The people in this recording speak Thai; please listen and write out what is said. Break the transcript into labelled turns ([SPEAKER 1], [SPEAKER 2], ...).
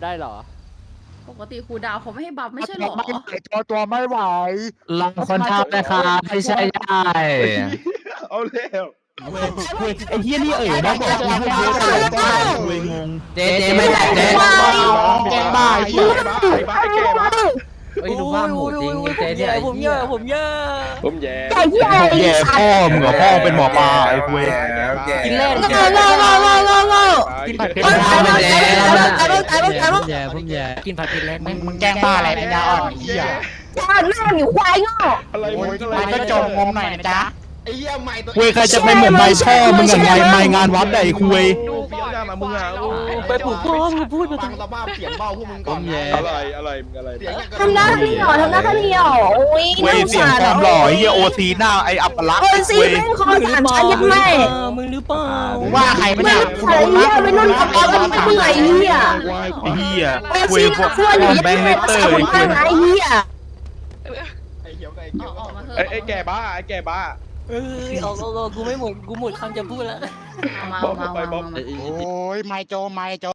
[SPEAKER 1] ได้เหรอ
[SPEAKER 2] ปกติครูดาวเขาไม่ให้บัฟไม่ใช่หรอ
[SPEAKER 3] ตัวไม่ไหว
[SPEAKER 4] ลองคนทำนะครับไม่ใช่ได้
[SPEAKER 5] เอาเร็ว
[SPEAKER 3] ไอ้เฮียนี่นะบอกกูให้เยอะเลยงง
[SPEAKER 4] เจ๊ไม่ได้เจ๊
[SPEAKER 3] แกงบ้า
[SPEAKER 5] ไอ้บ้าไอ้แก่บ้า
[SPEAKER 4] เฮ้ยดูว่าหมูจริงเจ๊เนี่ย
[SPEAKER 1] ผมเยอะผมแย่
[SPEAKER 3] ไอ้เฮียแย่พ่อมึงเหรอพ่อเป็นหมอปลาไอ้คุย
[SPEAKER 1] กินเล่น
[SPEAKER 5] กินผัดเผ็ด
[SPEAKER 1] ผมแย่กินผัดกินเล่น
[SPEAKER 3] มึงแกงบ้าอะไรปัญญาอ่อนไอ้เฮีย
[SPEAKER 5] อะไรมึงอะไร
[SPEAKER 3] มันก็จมงมหน่อยนะจ๊ะ
[SPEAKER 5] ไอ้เหี้ยใหม่ตัว
[SPEAKER 3] คุยใครจะเป็นเหมือนไม้พ่อมึงกับไม้งานวัดไอ้คุย
[SPEAKER 5] ดูเฟี้ยวจังอะมึงอะ
[SPEAKER 1] ไปปลูกพ่อมึงพูดมา
[SPEAKER 5] ฟังสภาพเสียงเบาพวกมึงก่อน อะไรมึงอะไร
[SPEAKER 6] ทำหน้าที่หรอทำหน้าที่หรอโอ้ย
[SPEAKER 3] คุยเสียงความหล่อไอ้เฮียโอซีหน้าไอ้อัปลักษณ์
[SPEAKER 6] โอ้ยซี
[SPEAKER 3] คุย
[SPEAKER 6] แม่งคอสามชั้นยัดแม่
[SPEAKER 1] มึงหรือเปล่า
[SPEAKER 3] ว่าใครปะเนี่ย
[SPEAKER 6] ไอ้เหี้ยไปนุ่นกับเอาไปเมื่อยเหี้ย
[SPEAKER 3] ไอ้เฮีย
[SPEAKER 6] ไอ้
[SPEAKER 3] คุย
[SPEAKER 6] ซี
[SPEAKER 3] พวก
[SPEAKER 6] ขั้วอยู่ยัด
[SPEAKER 3] แบงค์
[SPEAKER 6] แม่
[SPEAKER 3] เลเตอร์
[SPEAKER 6] สาว
[SPEAKER 3] ไอ้คุ
[SPEAKER 6] บ้าย นไอ้เหี้ย
[SPEAKER 5] ไอ้เหี้ยวไอ้
[SPEAKER 2] ออกมาเถอะ
[SPEAKER 5] ไอ้แก่บ้าไอ้แก่บ้า
[SPEAKER 1] กูไม่หมดกูหมดคำจะพูดแล้ว
[SPEAKER 2] เอามา
[SPEAKER 5] ไปบ๊อบ
[SPEAKER 3] โอ้ยไม่โจ